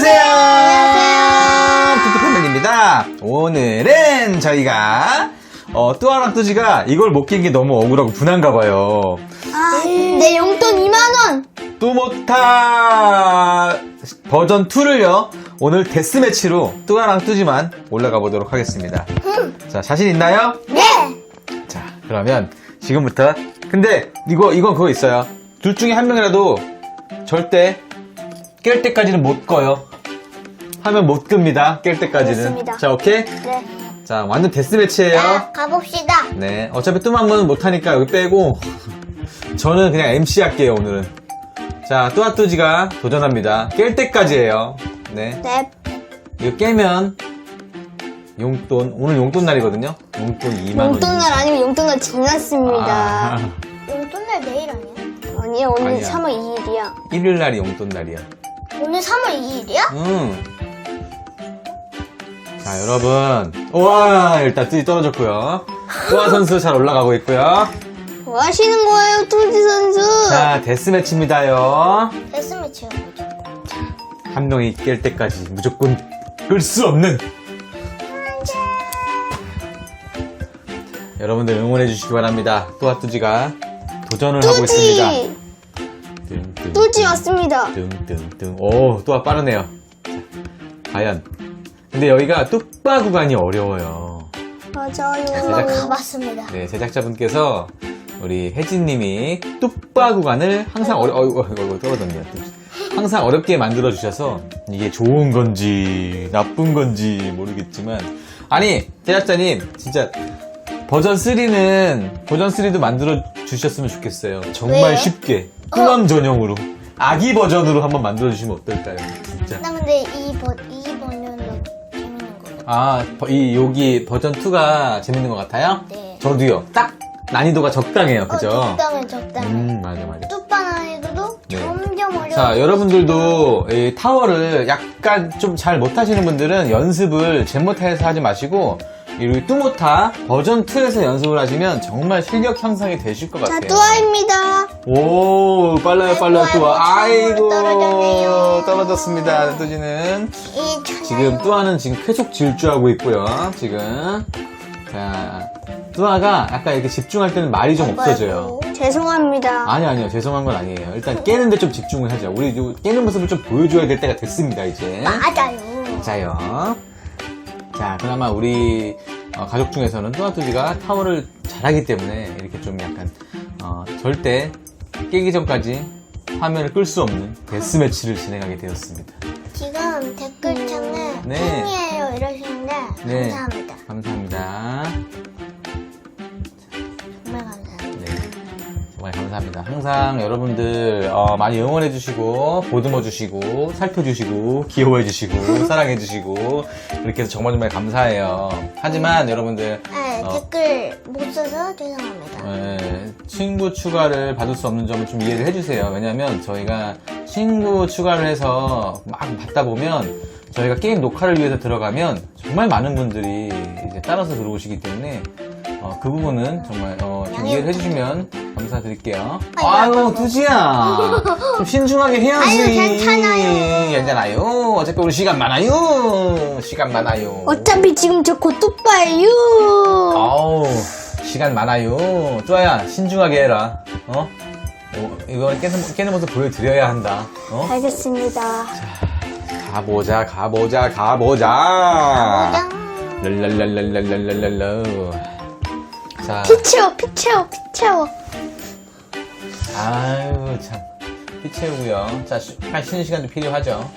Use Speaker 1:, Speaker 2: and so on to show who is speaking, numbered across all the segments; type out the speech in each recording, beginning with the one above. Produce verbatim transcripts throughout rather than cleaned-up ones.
Speaker 1: 안녕하세요.
Speaker 2: 안녕하세요.
Speaker 1: 뚜뚜패밀리입니다. 오늘은 저희가 어, 뚜아랑 뚜지가 이걸 못 낀 게 너무 억울하고 분한가 봐요.
Speaker 2: 아, 내 용돈 이만 원.
Speaker 1: 뚜모타 버전 이를요 오늘 데스매치로 뚜아랑 뚜지만 올라가 보도록 하겠습니다.
Speaker 2: 음.
Speaker 1: 자, 자신 있나요?
Speaker 2: 네.
Speaker 1: 자, 그러면 지금부터. 근데 이거 이건 그거 있어요. 둘 중에 한 명이라도 절대 깰 때까지는 못 꺼요. 하면 못 끕니다. 깰 때까지는.
Speaker 2: 알겠습니다.
Speaker 1: 자, 오케이?
Speaker 2: 네.
Speaker 1: 자, 완전 데스매치예요.
Speaker 2: 자, 가봅시다.
Speaker 1: 네, 어차피 뚜만은 못하니까 여기 빼고 저는 그냥 엠씨 할게요, 오늘은. 자, 뚜아뚜지가 도전합니다. 깰 때까지예요. 네.
Speaker 2: 네.
Speaker 1: 이거 깨면 용돈, 오늘 용돈 날이거든요. 용돈 이만 원.
Speaker 2: 용돈 날 아니면 용돈 날 지났습니다.
Speaker 1: 아,
Speaker 2: 용돈 날 내일 아니야? 아니야, 오늘
Speaker 1: 아니야.
Speaker 2: 삼월 이일이야.
Speaker 1: 일요일 날이 용돈 날이야.
Speaker 2: 오늘 삼월 이일이야?
Speaker 1: 응. 자, 여러분. 우와, 일단 뚜지 떨어졌고요. 뚜아 선수 잘 올라가고 있고요.
Speaker 2: 뭐 하시는 거예요, 뚜지 선수?
Speaker 1: 자, 데스매치입니다요.
Speaker 2: 데스매치요.
Speaker 1: 한 명이 깰 때까지 무조건 끌 수 없는. 여러분들 응원해 주시기 바랍니다. 뚜아 뚜지가 도전을 하고 있습니다.
Speaker 2: 뚜지!
Speaker 1: 뚱뚱,
Speaker 2: 뚜지 왔습니다.
Speaker 1: 뚱뚱뚱. 오, 뚜아 빠르네요. 자, 과연. 근데 여기가 뚝바 구간이 어려워요.
Speaker 2: 맞아요.
Speaker 1: 제작-
Speaker 2: 가봤습니다.
Speaker 1: 네, 제작자분께서 우리 혜진님이 뚝바 구간을 항상 어려, 어이구, 어이구, 어이구, 떨어졌네요. 항상 어렵게 만들어 주셔서 이게 좋은 건지 나쁜 건지 모르겠지만, 아니 제작자님 진짜 버전 쓰리는 버전 쓰리도 만들어 주셨으면 좋겠어요. 정말
Speaker 2: 왜요?
Speaker 1: 쉽게 꾸맘 전용으로 아기 버전으로 한번 만들어 주시면 어떨까요? 진짜.
Speaker 2: 나 근데 이 버, 이 번은 재밌는 거 같아.
Speaker 1: 아, 버- 이 여기 버전 이가 재밌는 것 같아요?
Speaker 2: 네.
Speaker 1: 저도요. 딱 난이도가 적당해요. 그죠?
Speaker 2: 어, 적당해, 적당해.
Speaker 1: 음, 맞아, 맞아.
Speaker 2: 뚜빠 난이도도
Speaker 1: 네.
Speaker 2: 점점 어려워.
Speaker 1: 자, 여러분들도 이 타워를 약간 좀 잘 못하시는 분들은 연습을 젠모타에서 하지 마시고 이 뚜모타 버전 이에서 연습을 하시면 정말 실력 향상이 되실 것
Speaker 2: 자,
Speaker 1: 같아요.
Speaker 2: 뚜아입니다.
Speaker 1: 오, 빨라요, 빨라요,
Speaker 2: 아이고,
Speaker 1: 뚜아.
Speaker 2: 아이고,
Speaker 1: 아이고,
Speaker 2: 떨어졌네요.
Speaker 1: 떨어졌습니다, 뚜지는.
Speaker 2: 이 천하의
Speaker 1: 지금 뚜아는 지금 계속 질주하고 있고요, 지금. 자, 뚜아가 약간 이렇게 집중할 때는 말이 좀 없어져요.
Speaker 2: 죄송합니다.
Speaker 1: 아니, 아니요. 죄송한 건 아니에요. 일단 깨는데 좀 집중을 하자. 우리 요 깨는 모습을 좀 보여줘야 될 때가 됐습니다, 이제.
Speaker 2: 맞아요.
Speaker 1: 자요. 자, 그나마 우리 어, 가족 중에서는 뚜아뚜지가 타워를 잘하기 때문에 이렇게 좀 약간 어, 절대 깨기 전까지 화면을 끌 수 없는 데스매치를 진행하게 되었습니다.
Speaker 2: 지금 댓글창에
Speaker 1: 네.
Speaker 2: 팬이에요 이러시는데
Speaker 1: 네.
Speaker 2: 감사합니다.
Speaker 1: 감사합니다.
Speaker 2: 정말 감사합니다.
Speaker 1: 네. 정말 감사합니다. 항상 여러분들 어, 많이 응원해주시고 보듬어주시고 살펴주시고 귀여워해주시고 사랑해주시고 이렇게 해서 정말 정말 감사해요. 하지만 여러분들
Speaker 2: 네,
Speaker 1: 어.
Speaker 2: 댓글 못 써서 죄송합니다.
Speaker 1: 예, 친구 추가를 받을 수 없는 점을 좀 이해를 해주세요. 왜냐면 저희가 친구 추가를 해서 막 받다 보면 저희가 게임 녹화를 위해서 들어가면 정말 많은 분들이 이제 따라서 들어오시기 때문에 어, 그 부분은 정말 어, 좀 이해를 해주시면 감사드릴게요.
Speaker 2: 아이고,
Speaker 1: 아유,
Speaker 2: 아이고.
Speaker 1: 두지야. 좀 신중하게 해야지.
Speaker 2: 아유, 괜찮아요.
Speaker 1: 괜찮아요. 어차피 우리 시간 많아요. 시간 많아요.
Speaker 2: 어차피 지금 저 곧 뚜빠예요.
Speaker 1: 아우, 시간 많아요. 쪼아야, 신중하게 해라. 어? 어, 이거 깨는, 깨는 모습 보여드려야 한다. 어?
Speaker 2: 알겠습니다.
Speaker 1: 가보자, 가보자, 가보자.
Speaker 2: 짱.
Speaker 1: 랄랄랄랄랄랄랄랄라. 자,
Speaker 2: 피 채워, 피 채워, 피 채워.
Speaker 1: 아유, 참. 피 채우고요. 자, 쉬, 한 쉬는 시간도 필요하죠.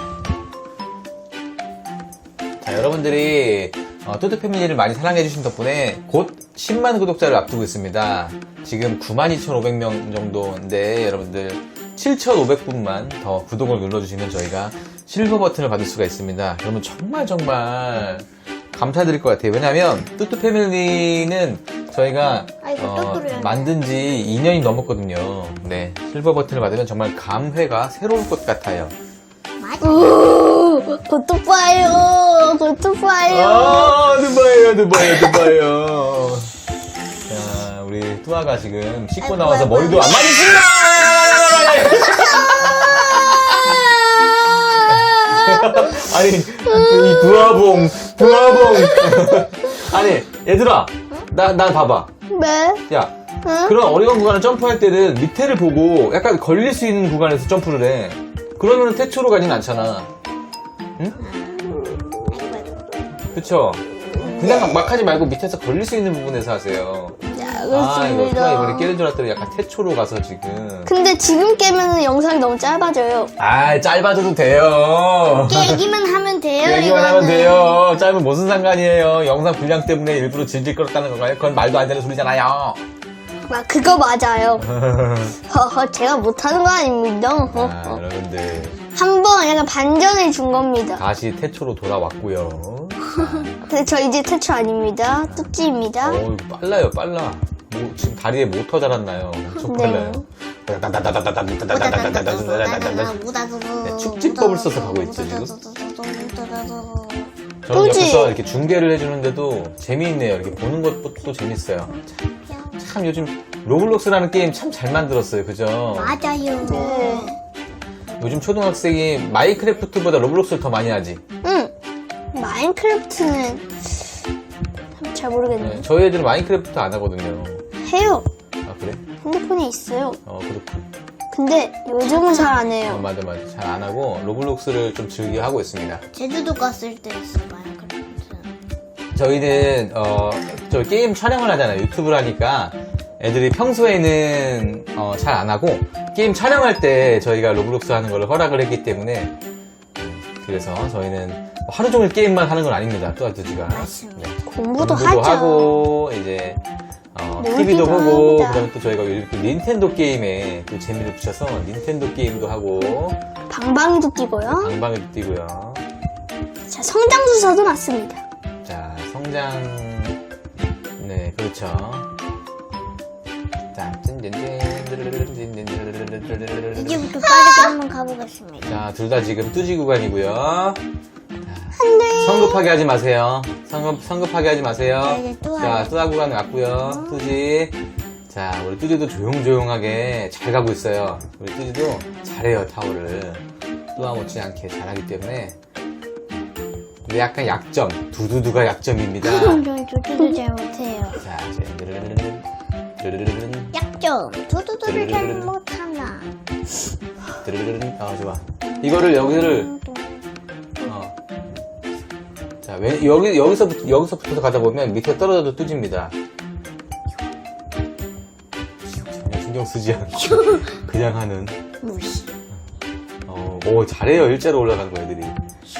Speaker 1: 자, 여러분들이 어, 뚜뚜 패밀리를 많이 사랑해주신 덕분에 곧 십만 구독자를 앞두고 있습니다. 지금 구만 이천오백 명 정도인데 여러분들 칠천오백 분만 더 구독을 눌러주시면 저희가 실버 버튼을 받을 수가 있습니다. 그러면 정말 정말 감사드릴 것 같아요. 왜냐면 뚜뚜 패밀리는 저희가
Speaker 2: 아이고,
Speaker 1: 어,
Speaker 2: 또 뚫려요.
Speaker 1: 만든 지 이 년이 넘었거든요. 네, 실버 버튼을 받으면 정말 감회가 새로울 것 같아요.
Speaker 2: 오, 곧 뚜빠예요. 곧 뚜빠예요.
Speaker 1: 아, 두바예요, 두바예요, 두바예요. 자, 우리 뚜아가 지금 씻고
Speaker 2: 아이고,
Speaker 1: 나와서
Speaker 2: 아이고,
Speaker 1: 머리도 안
Speaker 2: 아이고.
Speaker 1: 맞으신다! 아니, 이 부하봉, 부하봉. 아니, 얘들아, 나, 나 봐봐.
Speaker 2: 왜?
Speaker 1: 야,
Speaker 2: 응?
Speaker 1: 그런 어려운 구간을 점프할 때는 밑에를 보고 약간 걸릴 수 있는 구간에서 점프를 해. 그러면 태초로 가진 않잖아. 응? 그쵸? 그냥 막, 막 하지 말고 밑에서 걸릴 수 있는 부분에서 하세요.
Speaker 2: 자,
Speaker 1: 아, 이거
Speaker 2: 그렇습니다.
Speaker 1: 누가 이번에 깨는 줄 알았더니 약간 태초로 가서 지금.
Speaker 2: 근데 지금 깨면 영상이 너무 짧아져요.
Speaker 1: 아, 짧아져도 돼요.
Speaker 2: 깨기만 하면 돼요.
Speaker 1: 얘기만 하면
Speaker 2: 이거는.
Speaker 1: 돼요. 짧으면 무슨 상관이에요. 영상 분량 때문에 일부러 질질 끌었다는 건가요? 그건 말도 안 되는 소리잖아요.
Speaker 2: 아, 그거 맞아요. 허허, 제가 못하는 거 아닙니다.
Speaker 1: 아,
Speaker 2: 허허.
Speaker 1: 여러분들
Speaker 2: 한번 약간 반전을 준 겁니다.
Speaker 1: 다시 태초로 돌아왔고요.
Speaker 2: 근데 저 이제 태초 아닙니다. 뚜찌입니다.
Speaker 1: 어, 이거 빨라요, 빨라. 뭐, 지금 다리에 모터 달았나요? 엄청
Speaker 2: 네.
Speaker 1: 빨라요. 네, 축지법을 써서 가고 있죠, 지금. 저는
Speaker 2: 그치?
Speaker 1: 옆에서 이렇게 중계를 해주는데도 재미있네요. 이렇게 보는 것도 재밌어요. 참, 참 요즘 로블록스라는 게임 참 잘 만들었어요. 그죠?
Speaker 2: 맞아요. 네.
Speaker 1: 요즘 초등학생이 마이크래프트보다 로블록스를 더 많이 하지.
Speaker 2: 응. 마인크래프트는 잘 모르겠네.
Speaker 1: 네, 저희 애들은 마이크래프트 안 하거든요.
Speaker 2: 해요.
Speaker 1: 아, 그래?
Speaker 2: 핸드폰에 있어요.
Speaker 1: 어, 그렇군.
Speaker 2: 근데 요즘은 잘 안
Speaker 1: 어,
Speaker 2: 해요.
Speaker 1: 맞아, 맞아. 잘 안 하고 로블록스를 좀 즐겨 하고 있습니다.
Speaker 3: 제주도 갔을 때 있어 마인크래프트.
Speaker 1: 저희는 어, 저 게임 촬영을 하잖아요. 유튜브를 하니까 애들이 평소에는 어, 잘 안 하고 게임 촬영할 때 저희가 로블록스 하는 걸 허락을 했기 때문에 그래서 저희는 하루 종일 게임만 하는 건 아닙니다. 뚜아뚜지가
Speaker 3: 맞습니다.
Speaker 2: 공부도,
Speaker 1: 공부도
Speaker 2: 하죠.
Speaker 1: 하고 이제 어,
Speaker 2: 놀기도
Speaker 1: 티비도 보고
Speaker 2: 합니다.
Speaker 1: 그다음에 또 저희가 요즘 또 닌텐도 게임에 또 재미를 붙여서 닌텐도 게임도 하고
Speaker 2: 방방이도 뛰고요.
Speaker 1: 방방에도 뛰고요.
Speaker 2: 자, 성장수사도 났습니다.
Speaker 1: 자, 성장. 네, 그렇죠. 자, 찐찐찐.
Speaker 3: 이제부터 빠르게 한번 가보겠습니다.
Speaker 1: 자, 둘 다 지금 뚜지 구간이고요. 성급하게 하지 마세요. 성급, 성급하게 하지 마세요.
Speaker 3: 자, 이제 뚜아.
Speaker 1: 자, 뚜아 구간 왔고요. 뚜지. 자, 우리 뚜지도 조용조용하게 잘 가고 있어요. 우리 뚜지도 잘해요, 타워를. 뚜아 못지않게 잘하기 때문에. 근데 약간 약점. 두두두가 약점입니다.
Speaker 3: 저희 조주도 잘 못해요.
Speaker 1: 자, 이제 드르르르르, 드르르르르,
Speaker 3: 약점 두두두를 잘 못하나.
Speaker 1: 드르르르르. 아, 좋아. 이거를 여기를 어. 자, 왜, 여기 여기서부터 여기서부터 가다 보면 밑에 떨어져도 뚜집니다. 전혀 신경 쓰지 않고 그냥 하는.
Speaker 3: 무시.
Speaker 1: 어, 오 잘해요. 일자로 올라가는 거 애들이.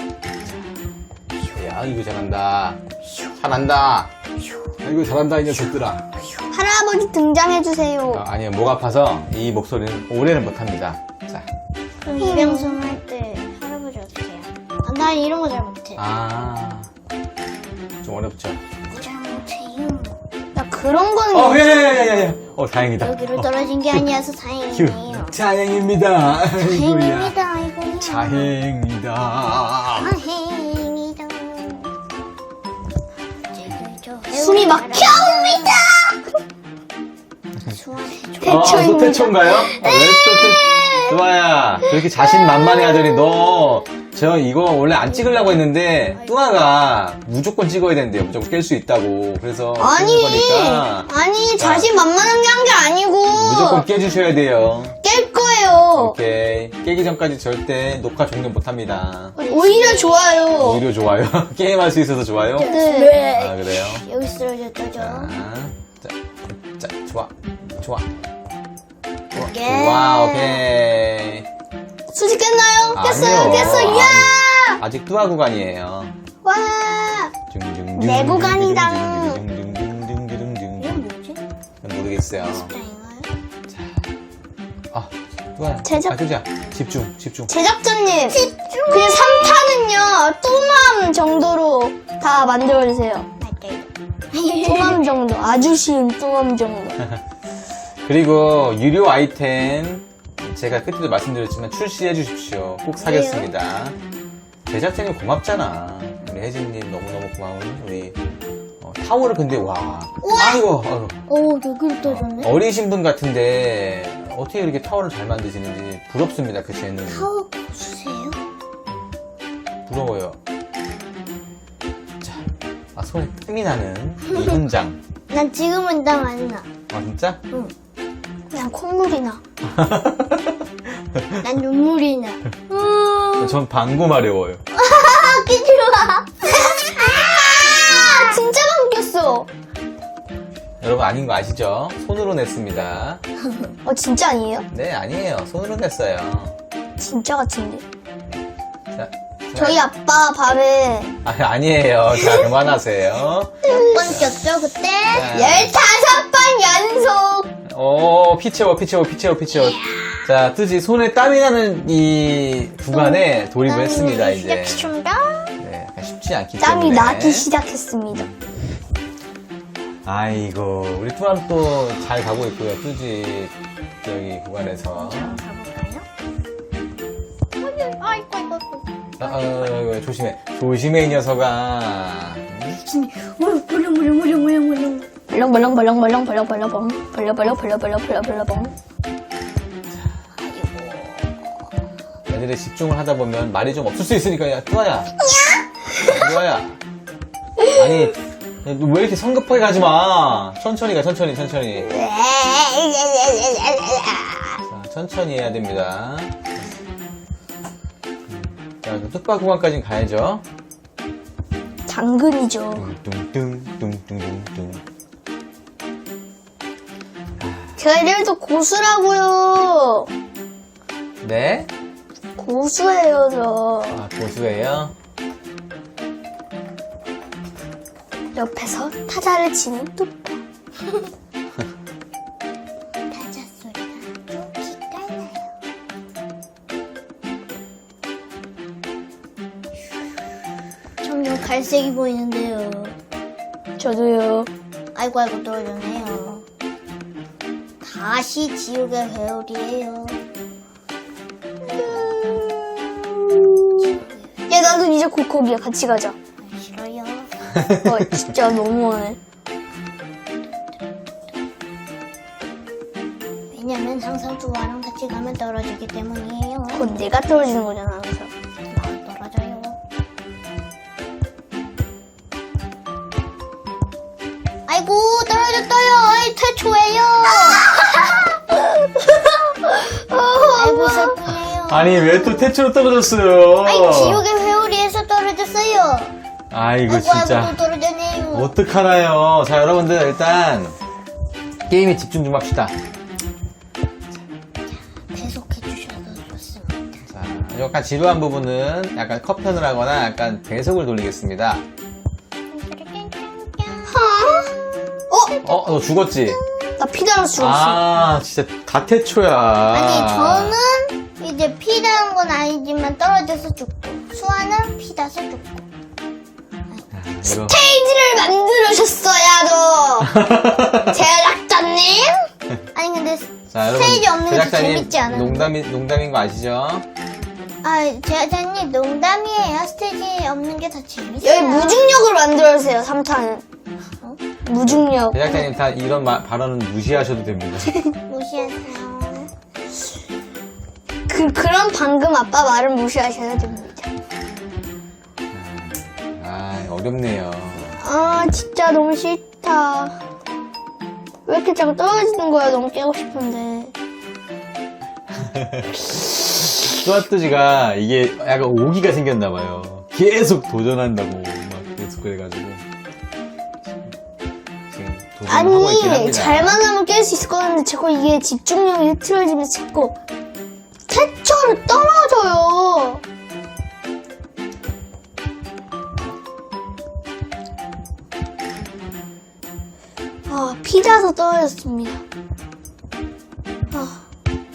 Speaker 1: 야, 이거 잘한다. 잘한다. 이거 잘한다 이 녀석들아.
Speaker 2: 할아버지 등장해주세요.
Speaker 1: 아, 아니요, 목 아파서 이 목소리는 오래는 못합니다. 자,
Speaker 3: 그럼 이 방송 할 때 할아버지 어떻게 해요? 아, 난 이런 거 잘 못해.
Speaker 1: 아, 좀 어렵죠.
Speaker 3: 잘 못해요.
Speaker 2: 나 그런 거는
Speaker 1: 어, 예, 예, 예, 예. 어, 다행이다.
Speaker 3: 여기로 떨어진 게 아니어서 다행이네요.
Speaker 1: 다행입니다.
Speaker 3: 다행입니다. 아이고.
Speaker 1: 다행이다.
Speaker 3: 다행이다.
Speaker 2: 숨이 막혀옵니다.
Speaker 1: 아,
Speaker 2: 태초입니다.
Speaker 1: 또 태초인가요? 아, 왜 또 태, 뚜아야, 저렇게 자신만만해 하더니 너, 저 이거 원래 안 찍으려고 했는데, 뚜아가 무조건 찍어야 된대요. 무조건 깰 수 있다고. 그래서.
Speaker 2: 아니,
Speaker 1: 찍는 거니까
Speaker 2: 아니, 자신 만만한 게 한 게 아니고.
Speaker 1: 무조건 깨주셔야 돼요.
Speaker 2: 깰 거예요.
Speaker 1: 오케이. 깨기 전까지 절대 녹화 종료 못 합니다.
Speaker 2: 오히려 좋아요.
Speaker 1: 오히려 좋아요. 게임할 수 있어서 좋아요?
Speaker 2: 네.
Speaker 1: 아, 그래요?
Speaker 3: 여기 쓰러졌다죠.
Speaker 1: 자, 자, 자, 좋아. 좋아. 좋아.
Speaker 3: 예.
Speaker 1: 좋아, 오케이.
Speaker 2: 수지 깼나요? 깼어요,
Speaker 1: 아니요.
Speaker 2: 깼어. 야!
Speaker 1: 아직, 아직 뚜아 구간이에요.
Speaker 2: 와!
Speaker 1: 둥둥둥.
Speaker 2: 내 구간이다.
Speaker 1: 둥둥둥둥둥둥둥둥.
Speaker 3: 이건 뭐지?
Speaker 1: 모르겠어요.
Speaker 3: 다인가요?
Speaker 1: 아, 뚜아야.
Speaker 2: 제작-
Speaker 1: 아, 뚜지야. 집중, 집중.
Speaker 2: 제작자님. 그냥 삼 탄은요, 뚜맘 정도로 다 만들어주세요.
Speaker 3: 맞아요.
Speaker 2: 뚜맘 정도. 아주 쉬운 뚜맘 정도.
Speaker 1: 그리고 유료 아이템 제가 그때도 말씀드렸지만 출시해 주십시오. 꼭 사겠습니다. 제작진이 고맙잖아. 우리 혜진님 너무너무 고마운 우리 어, 타워를 근데 와 아이고, 아이고
Speaker 3: 오, 여기로 떠졌네.
Speaker 1: 어리신 분 같은데 어떻게 이렇게 타워를 잘 만드시는지 부럽습니다. 그 재능.
Speaker 3: 타워 보수세요?
Speaker 1: 부러워요. 자, 아, 손에 땀이 나는 이 현장.
Speaker 3: 난 지금은 땀 안 나.
Speaker 1: 아, 진짜?
Speaker 3: 응.
Speaker 2: 그냥 콧물이 나.
Speaker 3: 난 눈물이 나. 음.
Speaker 1: 전 방구 마려워요.
Speaker 3: 아, 끼지 마.
Speaker 2: 아, 진짜 감겼어.
Speaker 1: 여러분 아닌 거 아시죠? 손으로 냈습니다.
Speaker 2: 어, 진짜 아니에요?
Speaker 1: 네, 아니에요. 손으로 냈어요.
Speaker 2: 진짜 같은데.
Speaker 1: 자,
Speaker 2: 저희 아빠 발에
Speaker 1: 아, 아니에요. 자, 그만하세요.
Speaker 3: 몇 번 꼈죠, 그때?
Speaker 1: 자,
Speaker 2: 열다섯 번 연속.
Speaker 1: 오, 피 채워, 피 채워, 피 채워, 피 채워. 자, 뜨지 손에 땀이 나는 이 구간에 돌입을 했습니다, 이제.
Speaker 3: 시작했습니다.
Speaker 1: 네, 약간 쉽지 않기
Speaker 2: 땀이
Speaker 1: 때문에.
Speaker 2: 나기 시작했습니다.
Speaker 1: 아이고, 우리 뚜아는 또 잘 가고 있고요, 뜨지 저기 구간에서.
Speaker 3: 가볼까요? 아이고, 아이고, 아이고.
Speaker 1: 아, 어, 어, 조심해. 조심해, 이 녀석아.
Speaker 3: 무릉, 무릉, 무릉, 무릉, 무릉, 무릉.
Speaker 2: 벌렁벌렁벌렁벌렁 벌렁벌렁벌렁 벌렁벌렁벌렁벌렁벌렁.
Speaker 1: 애들이 집중을 하다 보면 말이 좀 없을 수 있으니까, 야, 뚜아야. 뚜아야. 아니, 너 왜 이렇게 성급하게 가지 마. 천천히 가, 천천히, 천천히. 자, 천천히 해야 됩니다. 자, 그 뚝바 구간까지는 가야죠.
Speaker 2: 당근이죠.
Speaker 1: 뚱뚱뚱뚱뚱뚱.
Speaker 2: 쟤들도 고수라고요.
Speaker 1: 네?
Speaker 2: 고수예요, 저.
Speaker 1: 아, 고수예요?
Speaker 2: 옆에서 타자를 치는 뚝바.
Speaker 3: 타자 소리가 좀 기깔나요. 점점 갈색이 보이는데요.
Speaker 2: 저도요.
Speaker 3: 아이고, 아이고, 떨어졌네요. 다시 지옥의 회오리예요.
Speaker 2: 야, 나도 이제 곧 거기야. 같이 가자.
Speaker 3: 싫어요.
Speaker 2: 어, 진짜 너무하네.
Speaker 3: 왜냐면 항상 두아랑 같이 가면 떨어지기 때문이에요.
Speaker 2: 그건 내가 떨어지는 거잖아, 항상.
Speaker 3: 아, 떨어져요. 아이고, 떨어졌어요. 아이, 태초예요. 아이고, 슬프네요.
Speaker 1: 아니, 왜 또 태초로 떨어졌어요?
Speaker 3: 아이, 지옥의 회오리에서 떨어졌어요.
Speaker 1: 아이고,
Speaker 3: 아이고,
Speaker 1: 진짜.
Speaker 3: 아이고, 또 떨어졌네요.
Speaker 1: 어떡하나요? 자, 여러분들, 일단, 게임에 집중 좀 합시다.
Speaker 3: 계속해 주셔서 좋습니다.
Speaker 1: 자, 약간 지루한 부분은 약간 컷편을 하거나 약간 배속을 돌리겠습니다.
Speaker 2: 어?
Speaker 1: 어, 너 죽었지?
Speaker 2: 나 피달아서 죽었어.
Speaker 1: 아, 진짜 다 태초야.
Speaker 3: 아니, 저는 이제 피 닿은 건 아니지만 떨어져서 죽고, 수아는 피 닿아서 죽고.
Speaker 1: 이거.
Speaker 2: 페이지를 만들으셨어야, 도 제작자님?
Speaker 3: 아니, 근데
Speaker 1: 자, 여러분.
Speaker 3: 스테이지 없는 게
Speaker 1: 제작자님,
Speaker 3: 재밌지 않아요?
Speaker 1: 농담이, 농담인 거 아시죠?
Speaker 3: 아, 제작자님 농담이에요. 스테이지 없는 게 더 재밌어요.
Speaker 2: 여기 무중력을 만들어주세요, 삼 탄은.
Speaker 3: 어?
Speaker 2: 무중력.
Speaker 1: 제작자님 다 이런 마- 발언은 무시하셔도 됩니다.
Speaker 3: 무시하세요.
Speaker 2: 그, 그런 방금 아빠 말을 무시하셔야 됩니다.
Speaker 1: 아, 어렵네요.
Speaker 2: 아, 진짜 너무 싫다. 왜 이렇게 자꾸 떨어지는 거야? 너무 깨고 싶은데.
Speaker 1: 뚜아뚜지가 이게 약간 오기가 생겼나봐요. 계속 도전한다고 막 계속 그래가지고 지금 도전하고 있긴
Speaker 2: 아니,
Speaker 1: 합니다.
Speaker 2: 잘만 하면 깰 수 있을 것 같은데 자꾸 이게 집중력이 흐트러지면서 자꾸 태초를 떨어져요. 아, 피자서 떨어졌습니다. 아.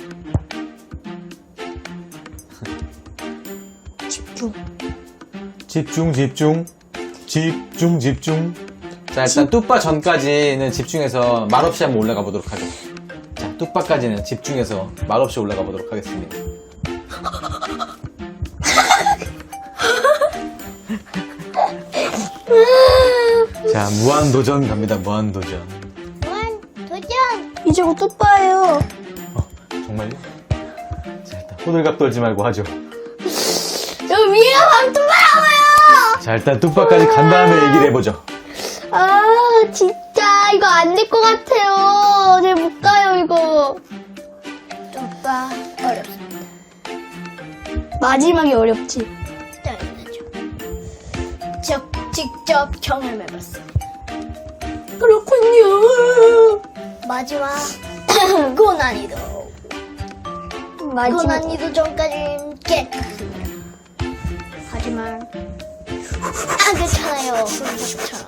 Speaker 2: 집중.
Speaker 1: 집중 집중 집중 집중. 자, 일단 뚜빠 전까지는 집중해서 말없이 한번 올라가 보도록 하죠. 자, 뚜빠까지는 집중해서 말없이 올라가 보도록 하겠습니다. 자, 무한도전 갑니다. 무한도전.
Speaker 3: 무한 도전!
Speaker 2: 이제 곧 뚜빠예요.
Speaker 1: 어, 정말요? 자, 일단 호들갑 떨지 말고 하죠.
Speaker 2: 저 위에 방 뚜빠!
Speaker 1: 자, 일단 뚝박까지 간 다음에 얘기를 해보죠.
Speaker 2: 아, 진짜, 이거 안 될 것 같아요. 잘 못 가요, 이거.
Speaker 3: 뚝박 어렵습니다.
Speaker 2: 마지막이 어렵지.
Speaker 3: 당연하죠. 저 직접 경험해봤습니다.
Speaker 2: 그렇군요.
Speaker 3: 마지막 고난이도.
Speaker 2: 마지막.
Speaker 3: 고난이도 전까지는 깨끗합니다. 하지만 안 괜찮아요. 그렇죠.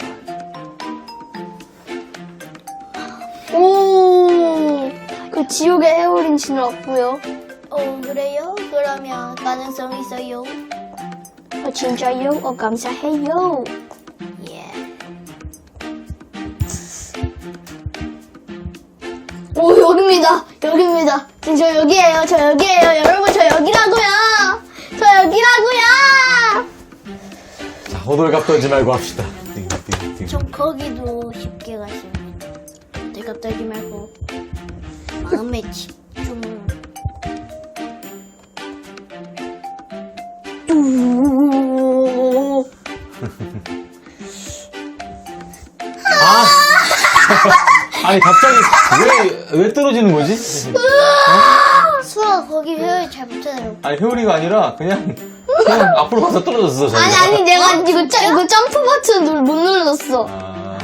Speaker 2: 오, 그 지옥의 헤어린치는 없고요.
Speaker 3: 어 그래요? 그러면 가능성 있어요.
Speaker 2: 어, 진짜요? 어, 감사해요.
Speaker 3: 예.
Speaker 2: 오, 여기입니다. 여기입니다. 지금 저 여기에요. 저 여기에요. 여러분, 저 여기라고요. 저 여기라고요.
Speaker 1: 자, 호들갑 떨지 말고 합시다. 띵, 띵, 띵.
Speaker 3: 전 거기도 쉽게 가십니다. 내가 떨지 말고 마음에 집중.
Speaker 2: 오,
Speaker 1: 아! 아니, 갑자기 왜, 왜 떨어지는 거지?
Speaker 3: 수아 거기 회의 잘 못해요.
Speaker 1: 아니, 회오리가 아니라 그냥, 그냥 앞으로 가서 떨어졌어, 저희가.
Speaker 2: 아니, 아니, 내가 이거, 점- 이거 점프 버튼 못 눌렀어.
Speaker 1: 아,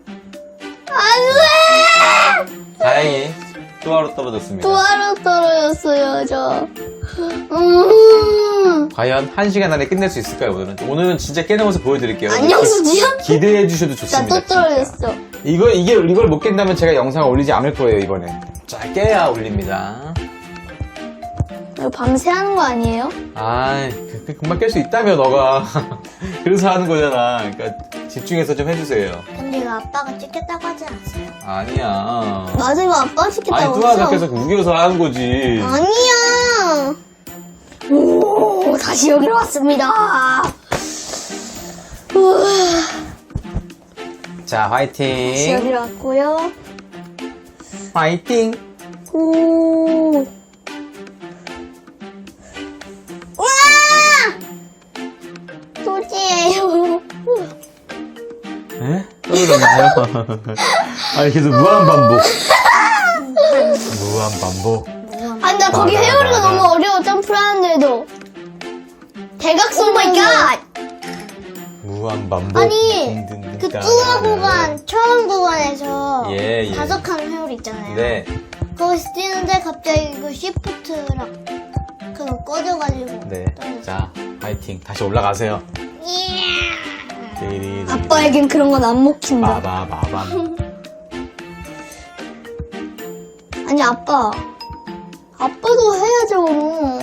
Speaker 2: 안 돼!
Speaker 1: 다행히 또 하루 떨어졌습니다.
Speaker 2: 또 하루 떨어졌어요, 저. 음.
Speaker 1: 과연 한 시간 안에 끝낼 수 있을까요, 오늘은? 오늘은 진짜 깨는 모습 보여드릴게요.
Speaker 2: 안녕, 수지야?
Speaker 1: 기대해 주셔도
Speaker 2: 나
Speaker 1: 좋습니다.
Speaker 2: 또 떨어졌어.
Speaker 1: 진짜. 이거, 이게, 이걸 못 깬다면 제가 영상을 올리지 않을 거예요, 이번엔. 자, 깨야 올립니다.
Speaker 2: 이거 밤새 하는 거 아니에요?
Speaker 1: 아이, 그- 그 금방 깰 수 있다며, 너가. 그래서 하는 거잖아. 그러니까 집중해서 좀 해주세요.
Speaker 3: 근데 이거 아빠가 찍겠다고 하지 않았어요?
Speaker 1: 아니야.
Speaker 2: 맞아, 이거 아빠
Speaker 1: 아니,
Speaker 2: 시켰다고
Speaker 1: 뚜아가
Speaker 2: 했어.
Speaker 1: 계속 우겨서 하는 거지.
Speaker 2: 아니야. 오, 다시 여기로 왔습니다. 우와,
Speaker 1: 자,
Speaker 2: 다시
Speaker 1: 화이팅.
Speaker 2: 여기로 왔고요.
Speaker 1: 화이팅.
Speaker 2: 오. 우와! 소지예요.
Speaker 1: 에? 떨어졌나요? 아니, 계속 무한 반복. 무한 반복.
Speaker 2: 아니, 나 거기 헤어리가 너무 어려워, 점프를 하는데도. 대각선
Speaker 3: 마이 갓!
Speaker 1: 무한 반복.
Speaker 3: 아니,
Speaker 1: 딩딩딩
Speaker 3: 그
Speaker 1: 따라라라.
Speaker 3: 뚜아 구간, 처음 구간에서
Speaker 1: 예, 예.
Speaker 3: 다섯 칸 회오리 있잖아요.
Speaker 1: 네.
Speaker 3: 거기서 뛰는데 갑자기 그 시프트랑 그거 꺼져가지고.
Speaker 1: 네.
Speaker 3: 떨어졌어요.
Speaker 1: 자, 화이팅. 다시 올라가세요.
Speaker 3: 예.
Speaker 1: 띠리리리.
Speaker 2: 아빠에겐 그런 건 안 먹힌다.
Speaker 1: 빠바바밤.
Speaker 2: 아니, 아빠. 아빠도 해야죠.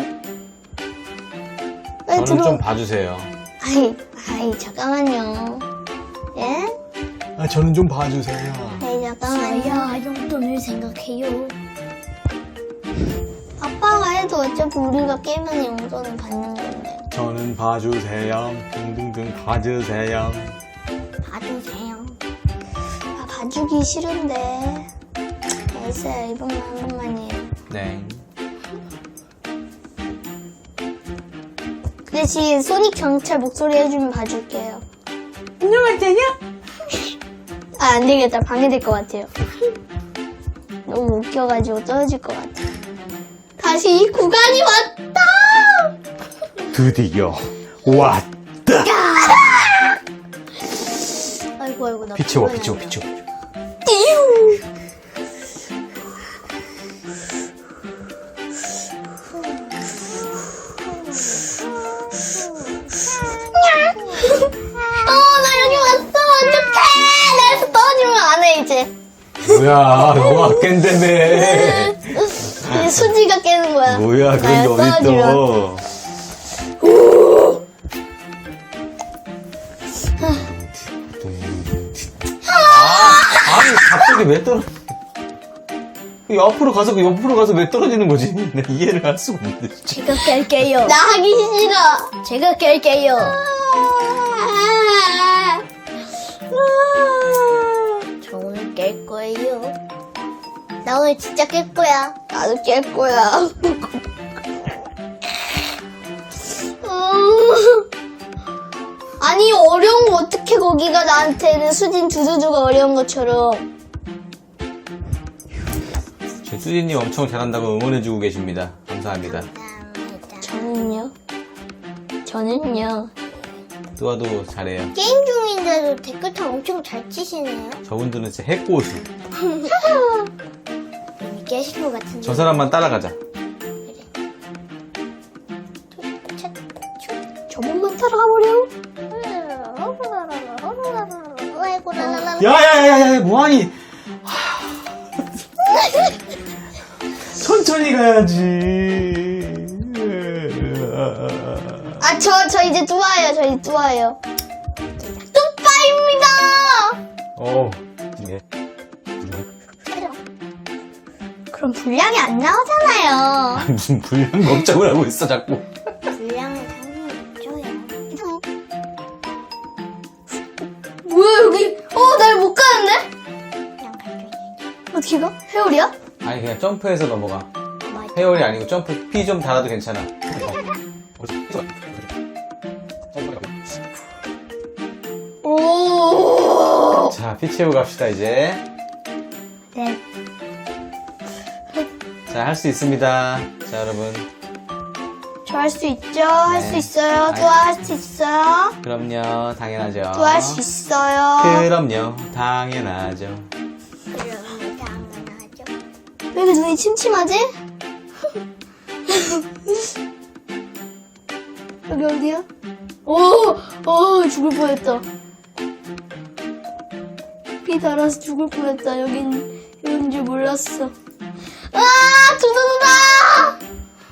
Speaker 2: 빨리
Speaker 1: 저는
Speaker 2: 들어.
Speaker 1: 좀 봐주세요.
Speaker 2: 아이, 아이, 잠깐만요. 예?
Speaker 1: 아, 저는 좀 봐주세요.
Speaker 2: 아이, 잠깐만요.
Speaker 3: 저야 용돈을 생각해요.
Speaker 2: 아빠가 해도 어차피 우리가 깨면 용돈을 받는 건데.
Speaker 1: 저는 봐주세요. 등등등 봐주세요.
Speaker 3: 봐주세요.
Speaker 2: 아, 봐주기 싫은데. 알았어요. 이번만 한 번만이에요.
Speaker 1: 네.
Speaker 2: 그 대신 소닉 경찰 목소리 해주면 봐줄게요. 안녕하세요. 아, 안 되겠다. 방해될 것 같아요. 너무 웃겨가지고 떨어질 것 같아. 다시 이 구간이 왔다!
Speaker 1: 드디어 왔다.
Speaker 3: 아이고 아이고 나
Speaker 1: 비치워,
Speaker 3: 불러야
Speaker 1: 비치워,
Speaker 3: 돼.
Speaker 1: 비치워.
Speaker 2: 띠용! 어, 나 여기 왔어! 어떡해! 나 여기서 떨어지면 안 해, 이제.
Speaker 1: 뭐야, 너가 깬다며.
Speaker 2: 이제 수지가 깨는 거야.
Speaker 1: 뭐야, 그런 게
Speaker 2: 나 여기 떨어지면.
Speaker 1: 어딨어. 아, 아니, 갑자기 왜 떨어? 그 옆으로 가서, 그 옆으로 가서 왜 떨어지는 거지? 내가 이해를 할 수가 없는데. 진짜.
Speaker 3: 제가 깰게요.
Speaker 2: 나 하기 싫어.
Speaker 3: 제가 깰게요.
Speaker 2: 아,
Speaker 3: 저 오늘 깰 거예요. 나 오늘 진짜 깰 거야.
Speaker 2: 나도 깰 거야. 음. 아니, 어려운 거 어떻게 거기가 나한테는 수진 두두두가 어려운 것처럼.
Speaker 1: 제 수진님 엄청 잘한다고 응원해주고 계십니다. 감사합니다.
Speaker 3: 감사합니다.
Speaker 2: 저는요? 저는요.
Speaker 1: 뚜아도 잘해요.
Speaker 3: 게임 중인데도 댓글창 엄청 잘 치시네요.
Speaker 1: 저분들은 진짜 해고수.
Speaker 3: 이미 깨신 것 같은데.
Speaker 1: 저 사람만 따라가자.
Speaker 2: 저번만 따라가버려.
Speaker 3: 아이고 라라라.
Speaker 1: 야야야야 뭐하니? 천천히 가야지.
Speaker 2: 아, 저, 저 이제 뚜아예요. 저 이제 뚜아예요. 뚜빠입니다!
Speaker 1: 어. 네.
Speaker 2: 그럼 분량이 안 나오잖아요.
Speaker 1: 무슨 불량 걱정을 하고 있어 자꾸.
Speaker 3: 분량은 당연히 있죠요.
Speaker 2: 뭐야, 여기. 어, 날 못 가는데?
Speaker 3: 그냥 갈게요.
Speaker 2: 어떻게 가? 회오리야?
Speaker 1: 아니 그냥 점프해서 넘어가.
Speaker 3: 맞아.
Speaker 1: 헤어리 아니고 점프 피 좀 달아도 괜찮아.
Speaker 2: 오.
Speaker 1: 자, 피 채우고 갑시다 이제.
Speaker 2: 네.
Speaker 1: 자, 할 수 있습니다. 자, 여러분.
Speaker 2: 저 할 수 있죠? 할 수
Speaker 1: 네.
Speaker 2: 있어요. 뚜아 할 수 있어요.
Speaker 1: 그럼요, 당연하죠.
Speaker 2: 뚜아 할 수 있어요.
Speaker 1: 그럼요, 당연하죠.
Speaker 3: 그러면 당연하죠.
Speaker 2: 왜 이렇게 눈이 침침하지? 여기 어디야? 오, 오, 죽을 뻔했다. 피 달아서 죽을 뻔했다. 여긴, 여긴 줄 몰랐어. 아, 두두두다!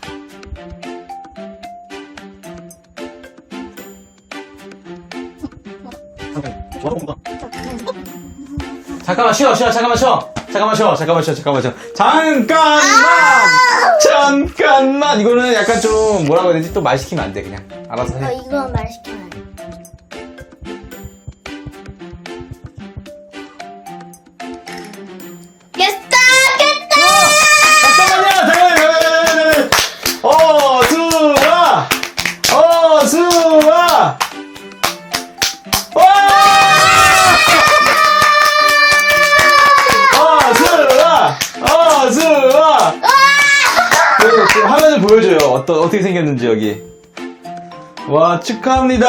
Speaker 1: 잠깐만 쉬어, 쉬어, 잠깐만 쉬어. 잠깐만 쉬어, 잠깐만 쉬어, 잠깐만 쉬어. 잠깐만! 잠깐만! 이거는 약간 좀 뭐라고 해야 되지? 또 말 시키면 안 돼, 그냥. 알아서
Speaker 3: 어,
Speaker 1: 해.
Speaker 3: 이거 말시키면 안 돼.
Speaker 2: 깼다! 깼다!
Speaker 1: 잠깐만요! 잠깐만요! 어, 수아! 어, 수아! 와! 어, 수아! 어, 수아! 그, 그 화면을 보여줘요. 어떠, 어떻게 생겼는지, 여기. 와, 축하합니다!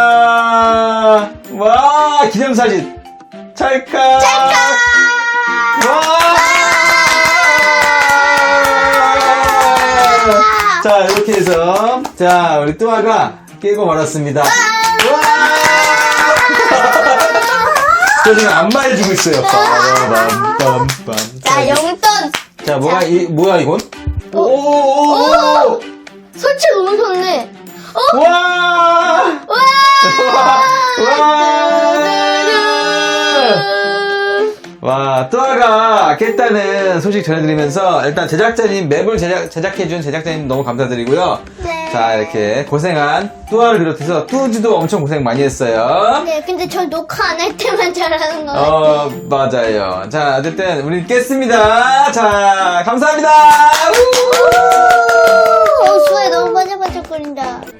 Speaker 1: 와, 기념사진! 찰칵! 찰칵! 와! 자, 이렇게 해서, 자, 우리 뚜아가 깨고 말았습니다. 와! 저 지금 안마해주고 있어요. 빰빰빰빰.
Speaker 2: 자, 용돈!
Speaker 1: 자, 뭐야, 이, 뭐야, 이건? 오!
Speaker 2: 설치 너무 좋네. 어?
Speaker 1: 와!
Speaker 2: 와!
Speaker 1: 와! 와, 뚜아가 깼다는 소식 전해드리면서 일단 제작자님, 맵을 제작, 제작해준 제작자님 너무 감사드리고요.
Speaker 3: 네.
Speaker 1: 자, 이렇게 고생한 뚜아를 비롯해서 뚜지도 엄청 고생 많이 했어요.
Speaker 3: 네, 근데 저 녹화 안 할 때만 잘하는 거 같아요.
Speaker 1: 어, 맞아요. 자, 어쨌든 우리 깼습니다. 자, 감사합니다. 우!
Speaker 3: 어, 수에 너무 반짝반짝거린다.